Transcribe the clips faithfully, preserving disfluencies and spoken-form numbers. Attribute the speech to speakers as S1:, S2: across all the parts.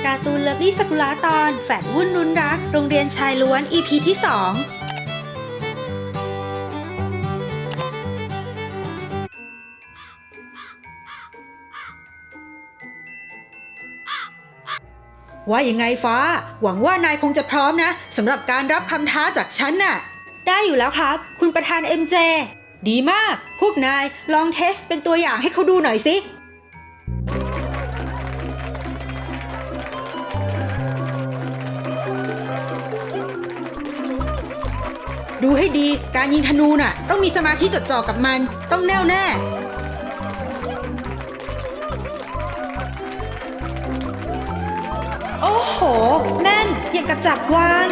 S1: การ์ตูนเลิฟลี่ซากุระตอนแฝดวุ่นรุนรักโรงเรียนชายล้วน อี พี ที่สองว่ายังไงฟ้าหวังว่านายคงจะพร้อมนะสำหรับการรับคำท้าจากฉันน่ะได้อยู่แล้วครับคุณประธาน เอ็ม เจ ดีมากพวกนายลองเทสเป็นตัวอย่างให้เขาดูหน่อยสิดูให้ดีการยิงธนูน่ะต้องมีสมาธิจดจ่อกับมันต้องแน่วแน่โอ้โหแม่นอย่างกับจับวาง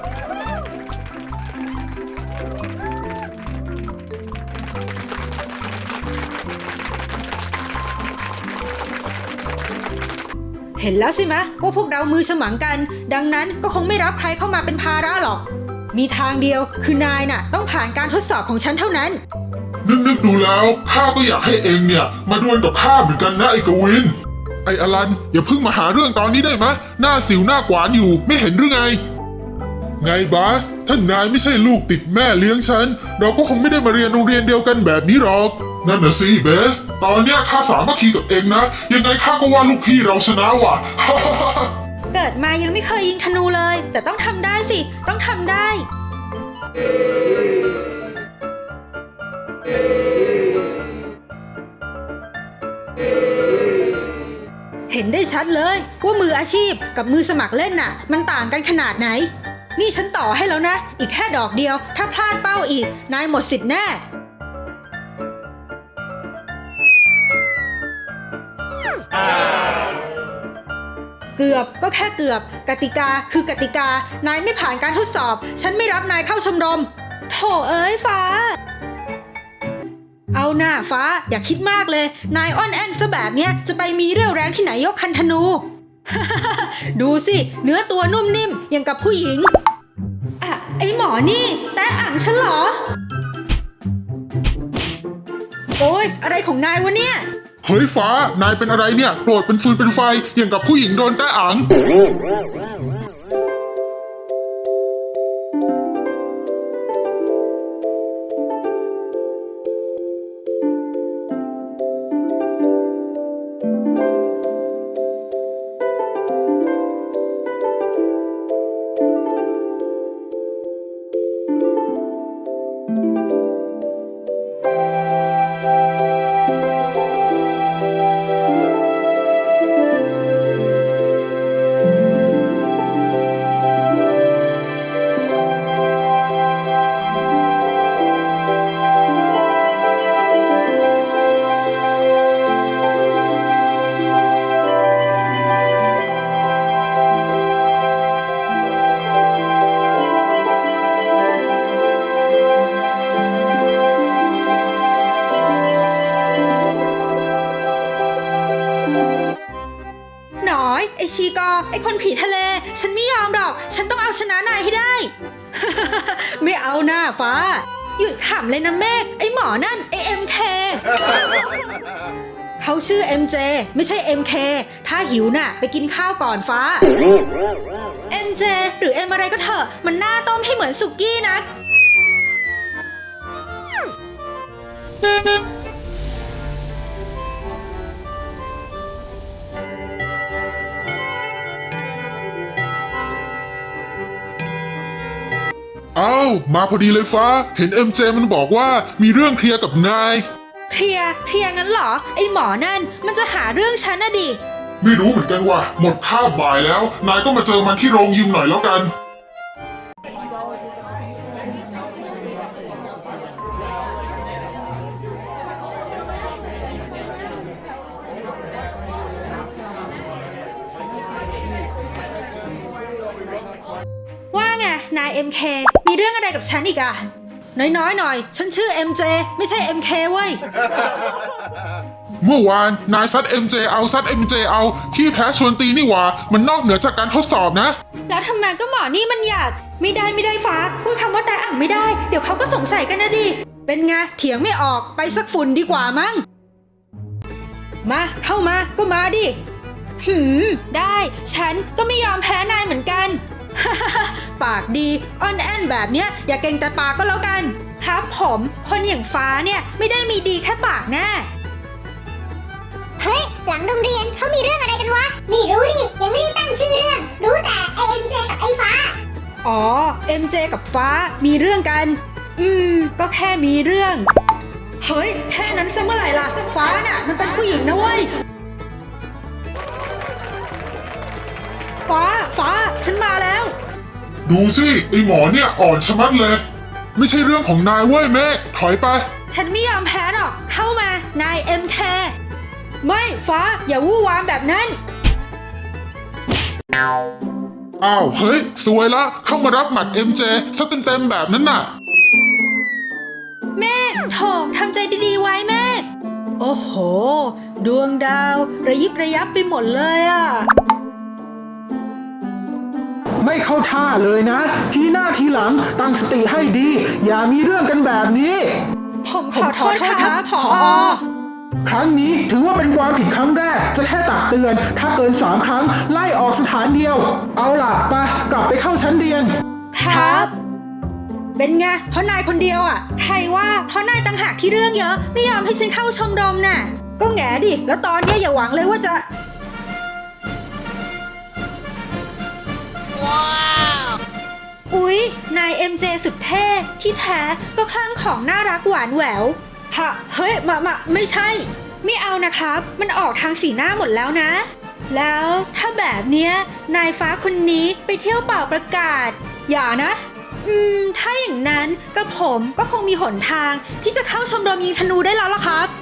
S1: เห็นแล้วใช่ไหมว่าพวกเรามือฉมังกันดังนั้นก็คงไม่รับใครเข้ามาเป็นภาระหรอกมีทางเดียวคือนายน่ะต้องผ่านการทดสอบของฉันเท่านั้น
S2: นึกๆดูแล้วข้าก็อยากให้เองเนี่ยมาดวลกับข้าเหมือนกันนะไอ้กวินไอ้อลันอย่าเพิ่งมาหาเรื่องตอนนี้ได้ไหมหน้าสิวหน้ากวานอยู่ไม่เห็นหรือไงไงบาสท่านนายไม่ใช่ลูกติดแม่เลี้ยงฉันเราก็คงไม่ได้มาเรียนโรงเรียนเดียวกันแบบนี้หรอกนั่นน่ะสิเบสตอนเนี้ยข้าสามัคคีกับเองนะยังไงข้าก็ว่าลูกพี่เราชนะว่ะ
S1: เกิดมายังไม่เคยยิงธนูเลยแต่ต้องทำได้สิต้องทำได้เห็นได้ชัดเลยว่ามืออาชีพกับมือสมัครเล่นน่ะมันต่างกันขนาดไหนนี่ฉันต่อให้แล้วนะอีกแค่ดอกเดียวถ้าพลาดเป้าอีกนายหมดสิทธิ์แน่เกือบก็แค่เกือบกติกาคือกติกานายไม่ผ่านการทดสอบฉันไม่รับนายเข้าชมรมโถเอ้ยฟ้าเอาหน้าฟ้าอย่าคิดมากเลยนายอ้อนแอนซะแบบเนี้ยจะไปมีเรี่ยวแรงที่ไหนยกคันธนู ดูสิเนื้อตัวนุ่มนิ่มอย่างกับผู้หญิงอะไอหมอนี่แต่อ่างฉันเหรอโอ๊ยอะไรของนายวะเนี่ย
S2: เฮ้ยฟ้านายเป็นอะไรเนี่ยโกรธเป็นฟืนเป็นไฟอย่างกับผู้หญิงโดนแตะอัง
S1: ไอชีกอไอคนผีทะเลฉันไม่ยอมหรอกฉันต้องเอาชนะนายให้ได้ ไม่เอาหน้าฟ้าหยุดขำเลยนะเมฆไอหมอนั่นไอ เอ็ม เค เขาชื่อ เอ็ม เจ ไม่ใช่ เอ็ม เค ถ้าหิวน่ะไปกินข้าวก่อนฟ้า เอ็ม เจ หรือ M อะไรก็เถอะมันหน้าต้มให้เหมือนสุกี้นัก
S2: เอ้ามาพอดีเลยฟ้าเห็น เอ็ม เจ มันบอกว่ามีเรื่องเคลียร์กับนาย
S1: เคลียร์เคลียร์งั้นเหรอไอหมอนั่นมันจะหาเรื่องฉันน่ะดิ
S2: ไม่รู้เหมือนกันว่ะหมดคาบบ่ายแล้วนายก็มาเจอมันที่โรงยิมหน่อยแล้วกัน
S1: นาย เอ็ม เค มีเรื่องอะไรกับฉันอีกอะน้อยๆหน่อยฉันชื่อ เอ็ม เจ ไม่ใช่ เอ็ม เค เว้ย
S2: เมื่อวานนายซัด เอ็ม เจ เอาซัด เอ็ม เจ เอาขี้แพ้ชวนตีนี่หว่ามันนอกเหนือจากการทดสอบนะ
S1: แล้วทำไมก็หมอนี่มันอยากไม่ได้ไม่ได้ฟ้าพูดคำว่าแต่อ่างไม่ได้เดี๋ยวเขาก็สงสัยกันนะดิเป็นไงเถียงไม่ออกไปสักฝุ่นดีกว่ามั้งมาเข้ามาก็มาดิหืมได้ ฉันก็ไม่ยอมแพ้นายเหมือนกัน ปากดีอ่อนแอนแบบเนี้ยอย่าเก่งแต่ปากก็แล้วกัน ครับผมคนอย่างฟ้าเนี่ยไม่ได้มีดีแค่ปากแน่
S3: เฮ้ย หลังโรงเรียนเขามีเรื่องอะไรกันวะ ไม่รู้ดิ ยังไม่ได้ตั้งชื่อเรื่อง รู้แต่ไอเอ็มเจกับไอฟ้า
S1: อ๋อ เอ็ม เจ กับฟ้ามีเรื่องกัน อืม ก็แค่มีเรื่อง เฮ้ย แค่นั้นซะเมื่อไหร่ล่ะ ฟ้าน่ะ มันเป็นผู้หญิงนะเว้ย ฟ้า ฟ้า ฉันมาแล้ว
S2: ดูสิไอหมอเนี่ยอ่อนชะมัดเลย ไม่ใช่เรื่องของนายเว้ยเมฆถอยไป
S1: ฉันไม่ยอมแพ้หรอก เข้ามา นายเอ็มแคไม่ ฟ้า อย่าวู่วามแบบนั้น
S2: อ้าวเฮ้ยสวยละเข้ามารับหมัด เอ็ม เจ ซะเต็มๆแบบนั้นน่ะ
S1: แม่โถทำใจดีๆไว้แม่ โอ้โห ดวงดาว ระยิบระยับไปหมดเลยอ่ะ
S4: ไม่เข้าท่าเลยนะ ทีหน้าทีหลังตั้งสติให้ดี อย่ามีเรื่องกันแบบนี้
S1: ผมขอโทษครับผอ
S4: ครั้งนี้ถือว่าเป็นความผิดครั้งแรก จะแค่ตักเตือน ถ้าเกินสามครั้งไล่ออกสถานเดียว เอาล่ะไปกลับไปเข้าชั้นเรียน
S1: ครับ เป็นไง เพราะนายคนเดียวอ่ะ ใครว่าเพราะนายต่างหากที่เรื่องเยอะ ไม่ยอมให้ฉันเข้าชมรมน่ะ ก็แง่ดิ แล้วตอนเนี้ยอย่าหวังเลยว่าจะ อุ๊ย นาย เอ็ม เจ สุดเท่ ที่แท้ก็คลั่งของน่ารักหวานแหววฮะ เฮ้ย มา มา ไม่ใช่ ไม่เอานะครับ มันออกทางสีหน้าหมดแล้วนะ แล้วถ้าแบบเนี้ย นายฟ้าคนนี้ไปเที่ยวเป่าประกาศ อย่านะ อืม ถ้าอย่างนั้นกระผมก็คงมีหนทางที่จะเข้าชมรมยิงธนูได้แล้วล่ะครับ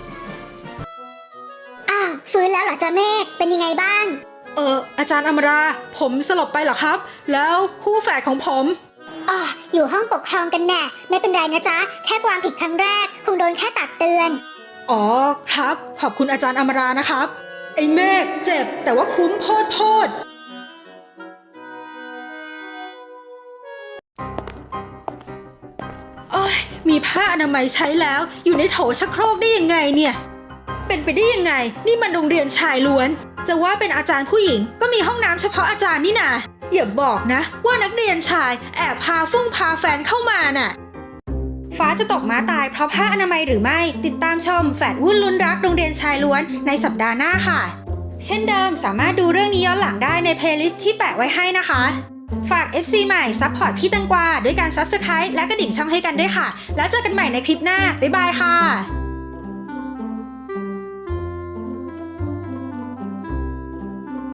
S3: อ้าว ฟื้นแล้วเหรอจ๊ะเมฆเป็นยังไงบ้าง
S1: เอออาจารย์อมรา ผมสลบไปเหรอครับ แล้วคู่แฝดของผม
S3: อ๋อ อยู่ห้องปกครองกันแน่ ไม่เป็นไรนะจ๊ะ แค่ความผิดครั้งแรก คงโดนแค่ตักเตือน
S1: อ๋อครับ ขอบคุณอาจารย์อมรานะครับ ไอ้เมฆเจ็บแต่ว่าคุ้มโพดโพดโอ้ยมีผ้าอนามัยใช้แล้วอยู่ในโถชักโครกได้ยังไงเนี่ย เป็นไปได้ยังไง นี่มันโรงเรียนชายล้วน จะว่าเป็นอาจารย์ผู้หญิงก็มีห้องน้ำเฉพาะอาจารย์นี่นาอย่าบอกนะว่านักเรียนชายแอบพาฟุ้งพาแฟนเข้ามาน่ะ ฟ้าจะตกม้าตายเพราะผ้าอนามัยหรือไม่ติดตามชมแฝดวุ่นลุ้นรักโรงเรียนชายล้วนในสัปดาห์หน้าค่ะ เช่นเดิมสามารถดูเรื่องนี้ย้อนหลังได้ในเพลย์ลิสต์ที่แปะไว้ให้นะคะ ฝาก เอฟ ซี ใหม่ซัพพอร์ตพี่แตังกวาด้วยการ ซับสไครบ์ และกระดิ่งช่องให้กันด้วยค่ะ แล้วเจอกันใหม่ในคลิปหน้าบ๊ายบายค่ะ